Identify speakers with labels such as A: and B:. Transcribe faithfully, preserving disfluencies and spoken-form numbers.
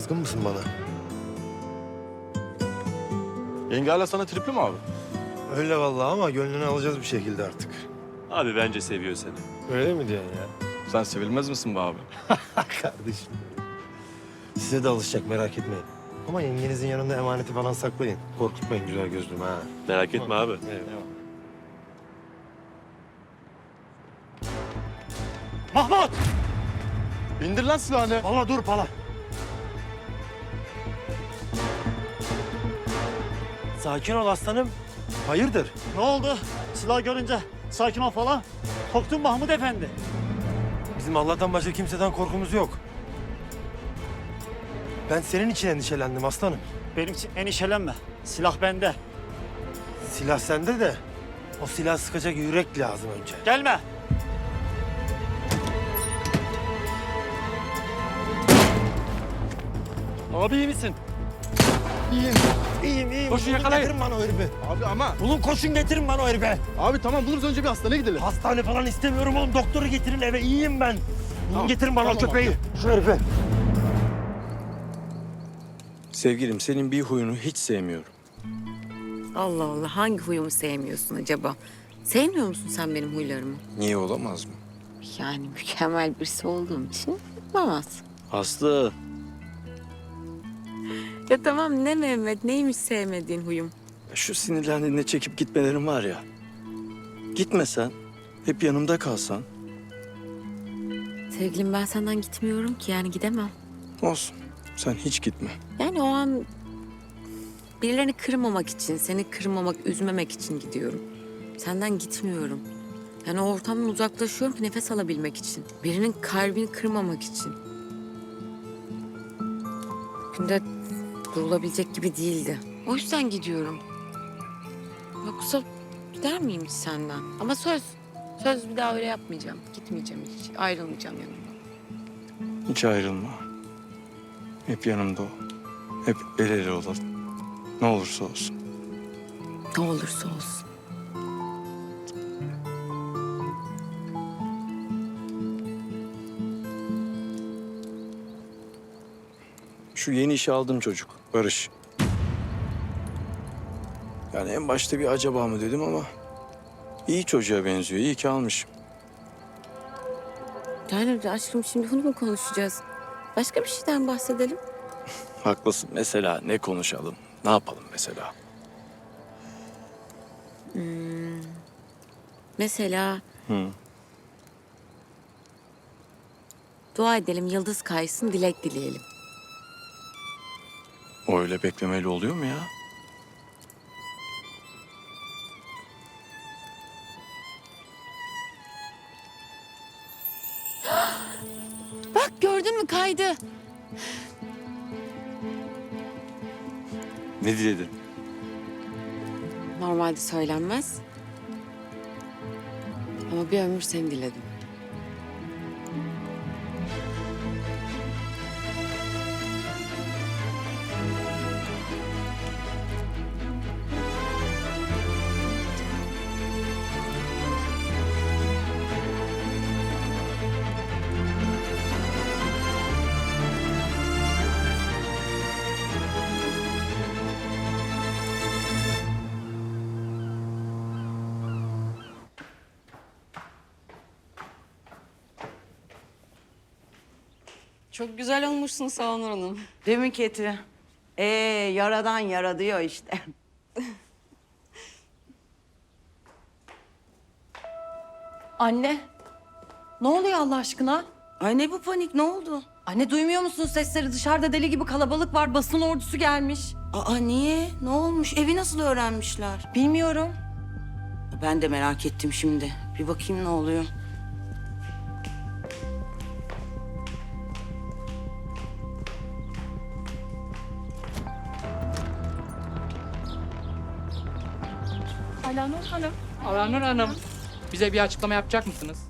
A: Kızgın mısın bana?
B: Yenge hala sana tripli mi abi?
A: Öyle vallahi ama gönlünü alacağız bir şekilde artık.
C: Abi bence seviyor seni.
A: Öyle mi diyorsun ya?
B: Sen sevilmez misin be abi?
A: Kardeşim. Size de alışacak merak etmeyin. Ama yengenizin yanında emaneti falan saklayın. Korkutmayın güzel gözlüm ha.
C: Merak etme abi.
A: Eyvallah.
D: Mahmut!
B: İndir lan silahını.
D: Pala dur pala.
A: Sakin ol aslanım. Hayırdır?
D: Ne oldu? Silah görünce sakin ol falan. Korktun Mahmut Efendi.
A: Bizim Allah'tan başka kimseden korkumuz yok. Ben senin için endişelendim aslanım.
D: Benim için endişelenme. Silah bende.
A: Silah sende de o silah sıkacak yürek lazım önce.
D: Gelme. Abi iyi misin?
A: İyiyim. İyiyim iyiyim.
B: Koşun,
A: Bulun,
B: yakalayın.
A: getirin bana o herifi.
B: Abi ama.
A: Bulun koşun getirin bana o herifi.
B: Abi tamam buluruz, önce bir hastaneye gidelim.
A: Hastane falan istemiyorum oğlum. Doktoru getirin eve. İyiyim ben. Bulun
B: Tamam,
A: getirin bana
B: tamam
A: o köpeği. Şu herifi.
E: Sevgilim, senin bir huyunu hiç sevmiyorum.
F: Allah Allah, hangi huyumu sevmiyorsun acaba? Sevmiyor musun sen benim huylarımı?
E: Niye olamaz mı?
F: Yani mükemmel birisi olduğum için yapamaz.
E: Aslı.
F: Ya tamam, ne Mehmet, neymiş sevmediğin huyum?
E: Şu sinirlendiğinde çekip gitmelerin var ya. Gitmesen, hep yanımda kalsan.
F: Sevgilim, ben senden gitmiyorum ki, yani gidemem.
E: Olsun, sen hiç gitme.
F: Yani o an birilerini kırmamak için, seni kırmamak, üzmemek için gidiyorum. Senden gitmiyorum. Yani o ortamdan uzaklaşıyorum ki nefes alabilmek için. Birinin kalbini kırmamak için. Günde durulabilecek gibi değildi. O yüzden gidiyorum. Yoksa gider miyim hiç senden? Ama söz, söz bir daha öyle yapmayacağım. Gitmeyeceğim hiç, ayrılmayacağım yanımdan.
E: Hiç ayrılma. Hep yanımda ol. Hep el ele olalım. Ne olursa olsun.
F: Ne olursa olsun.
E: Şu yeni işe aldığım çocuk, Barış. Yani en başta bir acaba mı dedim ama... iyi çocuğa benziyor, iyi ki almışım.
F: Yani aşkım, şimdi bunu mu konuşacağız? Başka bir şeyden bahsedelim.
E: Haklısın. Mesela ne konuşalım? Ne yapalım mesela?
F: Mesela
E: Hı.
F: dua edelim, yıldız kaysın, dilek dileyelim.
E: O öyle beklemeli oluyor mu ya?
F: Bak, gördün mü, kaydı.
E: Ne diledin?
F: Normalde söylenmez. Ama bir ömür seni diledim.
G: Çok güzel olmuşsun Sağnur Hanım.
H: Değil mi Keti? Ee, yaradan yara diyor işte.
G: Anne, ne oluyor Allah aşkına?
H: Ay ne bu panik, ne oldu?
G: Anne, duymuyor musun sesleri? Dışarıda deli gibi kalabalık var, basın ordusu gelmiş.
H: Aa niye? Ne olmuş? Evi nasıl öğrenmişler?
G: Bilmiyorum.
H: Ben de merak ettim şimdi. Bir bakayım ne oluyor.
G: Alanur Hanım.
I: Alanur Hanım, bize bir açıklama yapacak mısınız?